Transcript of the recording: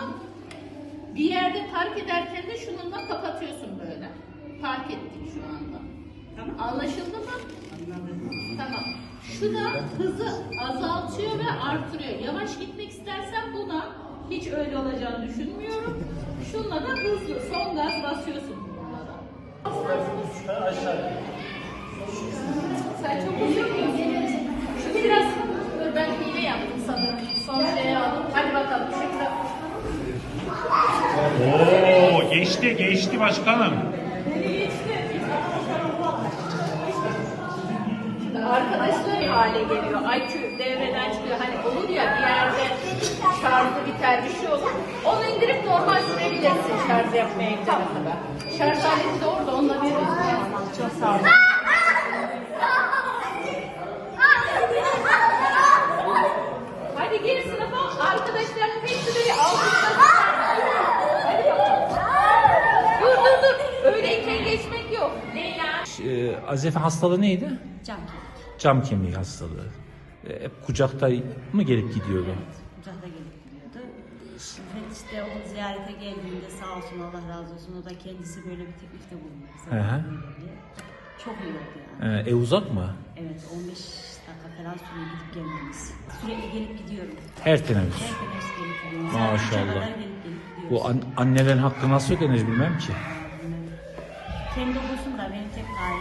Tamam. Bir yerde park ederken de şununla kapatıyorsun böyle. Park ettik şu anda. Tamam. Anlaşıldı mı? Anladım. Tamam. Şu da hızı azaltıyor ve artırıyor. Yavaş gitmek istersen buna hiç öyle olacağını düşünmüyorum. Şunla da hızlı son gaz basıyorsun bununla da. Sen çok hızlı gidiyorsun. Şu biraz dur ben hile yaptım sanırım. Son şeye aldım. Hadi bakalım şurada. Oo, geçti başkanım. Arkadaşlar hale geliyor. IQ devreden çıkıyor. Hani olur ya bir yerde şarjı biter bir şey olur. Onu indirip normal sürebilirsin şarj yapmaya gidene kadar. Şarj aleti de orada onunla veriyorsun. Çok sağ olun. Hadi gir sınıfa. Arkadaşların hepsi böyle alkışlasın. Hadi bakalım. Dur. Öyleyken geçmek yok. Leyla. Azefe hastalığı neydi? Cam. Cam kemiği hastalığı. Hep kucakta mı gelip gidiyordu? Evet, kucakta gelip gidiyordu. Ve işte o ziyarete geldiğinde sağ olsun Allah razı olsun o da kendisi böyle bir teklifte bulundu. Hı hı. Çok iyi oldu yani. Ev uzak mı? Evet 15 dakika falan sürüyor gidip gelmemiz. Sürekli gelip gidiyorum. Her teneffüs. Her teneffüs gelip gidiyorum. Maşallah. Saat 3'e kadar gelip gidiyoruz. Bu annelerin hakkı nasıl ödenir bilmem ki. Kendi olsun da benim tek